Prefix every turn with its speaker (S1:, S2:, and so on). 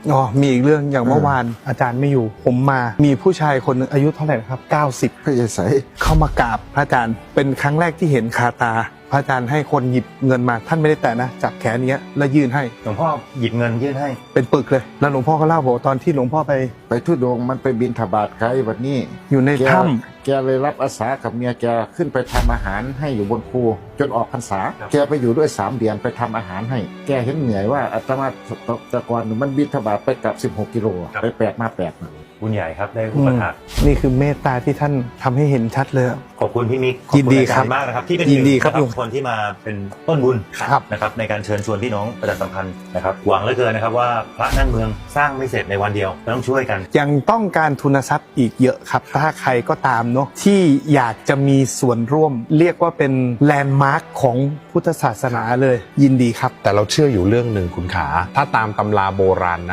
S1: อ๋อมีอีกเรื่องอย่างเมื่อวานอาจารย์ไม่อยู่ผมมามีผู้ชายคนหนึงอายุเท่าไหร่นะครับ90
S2: พระเยซู
S1: เข้ามากราบพระอาจารย์เป็นครั้งแรกที่เห็นคาตาพระอาจารย์ให้คนหยิบเงินมาท่านไม่ได้แตะนะจับแขนเนี้ยแล้วยื่นให้
S3: หลวงพ่อหยิบเงินยื่นให้
S1: เป็นปึกเลยแล้วหลวงพ่อก็เล่าบอกว่าตอนที่หลวงพ่อไป
S2: ทุดงค์มันไปบินทบาทไกลวันนี้
S1: อยู่ใน
S2: แก
S1: ถ้
S2: แกเลยรับอาสากับเมียแกขึ้นไปทำอาหารให้อยู่บนภูจนออกพรรษาแกไปอยู่ด้วย3 เดือนไปทำอาหารให้แกเห็นเหนื่อยว่าอาตมาแต่ก่อนมันบินทบาทไปกลับ16 กิโลไป8 มา 8นะ
S3: บุญใหญ่ครับได้อุปถัมภ์
S1: นี่คือเมตตาที่ท่านทำให้เห็นชัดเลย
S3: ขอบคุณพี่มิก
S1: ยินดีครับ
S3: ขอณอาจาย์มากนะครับที่เป็น
S1: ยินดีครับ
S3: หงคนที่มาเป็นต้นบุญ
S1: ครับ
S3: นะครับในการเชิญชวนพี่น้องประชาสัมพันธ์นะครับหวังเหลือเกินนะครับว่าพระนั่งเมืองสร้างไม่เสร็จในวันเดียวต้องช่วยกัน
S1: ยังต้องการทุนทรัพย์อีกเยอะครับถ้าใครก็ตามเนาะที่อยากจะมีส่วนร่วม เรียกว่าเป็นแลนด์มาร์คของพุทธศาสนาเลยยินดีครับ
S4: แต่เราเชื่ออยู่เรื่องหนึ่งคุณขา ถ้าตามตำราโบราณนะ